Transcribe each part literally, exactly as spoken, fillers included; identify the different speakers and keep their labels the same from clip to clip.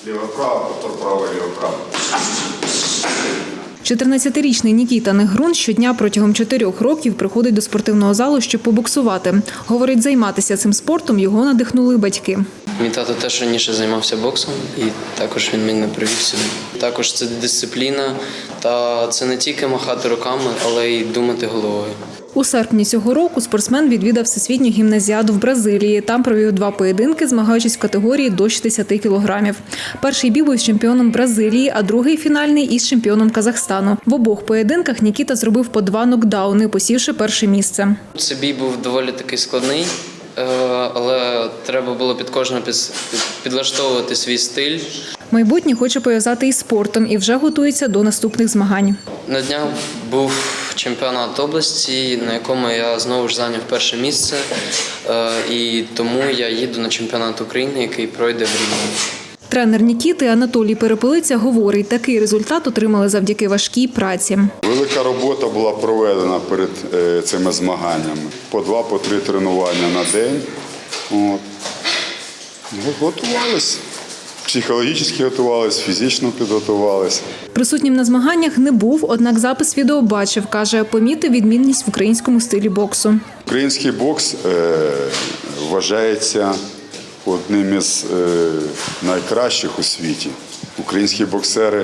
Speaker 1: Ліво-право, повтор право-ліво-право.
Speaker 2: чотирнадцятирічний Нікіта Негрун щодня протягом чотирьох років приходить до спортивного залу, щоб побоксувати. Говорить, займатися цим спортом його надихнули батьки.
Speaker 3: Мій тато теж раніше займався боксом, і також він мене привів сюди. Також це дисципліна, та це не тільки махати руками, але й думати головою.
Speaker 2: У серпні цього року спортсмен відвідав всесвітню гімназіаду в Бразилії. Там провів два поєдинки, змагаючись в категорії до шістдесят кілограмів. Перший бій був з чемпіоном Бразилії, а другий фінальний – із чемпіоном Казахстану. В обох поєдинках Нікіта зробив по два нокдауни, посівши перше місце.
Speaker 3: Цей бій був доволі такий складний, але треба було під кожного підлаштовувати свій стиль.
Speaker 2: Майбутнє хоче пов'язати із спортом і вже готується до наступних змагань.
Speaker 3: На днях був чемпіонат області, на якому я знову ж зайняв перше місце, і тому я їду на чемпіонат України, який пройде в Рівні.
Speaker 2: Тренер Нікіти Анатолій Перепелиця говорить, такий результат отримали завдяки важкій праці.
Speaker 1: Велика робота була проведена перед цими змаганнями. По два, по три тренування на день. От. Готувалися. Психологічно готувалися, фізично підготувалися.
Speaker 2: Присутнім на змаганнях не був, однак запис відео бачив. Каже, помітив відмінність в українському стилі боксу.
Speaker 1: Український бокс е, вважається одним із е, найкращих у світі. Українські боксери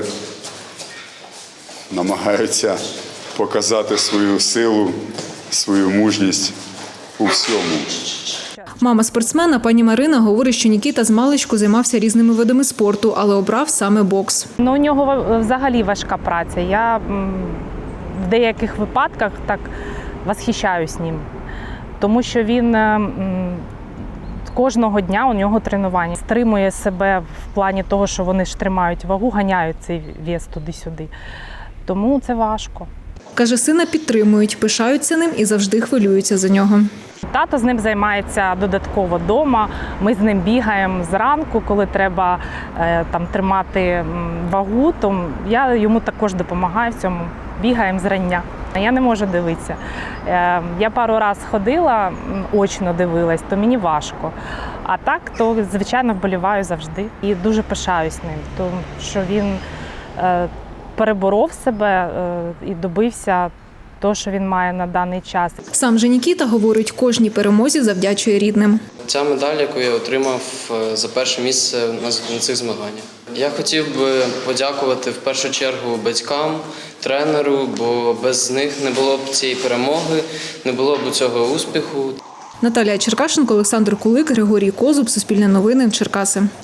Speaker 1: намагаються показати свою силу, свою мужність у всьому.
Speaker 2: Мама спортсмена, пані Марина, говорить, що Нікіта змалечку займався різними видами спорту, але обрав саме бокс.
Speaker 4: Ну, у нього взагалі важка праця. Я в деяких випадках так восхищаюсь ним, тому що він кожного дня у нього тренування. Стримує себе в плані того, що вони ж тримають вагу, ганяють цей вес туди-сюди. Тому це важко.
Speaker 2: Каже, сина підтримують, пишаються ним і завжди хвилюються за нього.
Speaker 4: Тато з ним займається додатково вдома. Ми з ним бігаємо зранку, коли треба е, там, тримати вагу, то я йому також допомагаю в цьому. Бігаємо зрання. Я не можу дивитися. Е, я пару разів ходила, очно дивилась, то мені важко. А так, то, звичайно, вболіваю завжди. І дуже пишаюсь ним, тому що він е, переборов себе е, і добився того, що він має на даний час.
Speaker 2: Сам же Нікіта, говорить, кожній перемозі завдячує рідним.
Speaker 3: Ця медаль, яку я отримав за перше місце на цих змаганнях. Я хотів би подякувати в першу чергу батькам, тренеру, бо без них не було б цієї перемоги, не було б цього успіху.
Speaker 2: Наталія Черкашенко, Олександр Кулик, Григорій Козуб, Суспільне новини, Черкаси.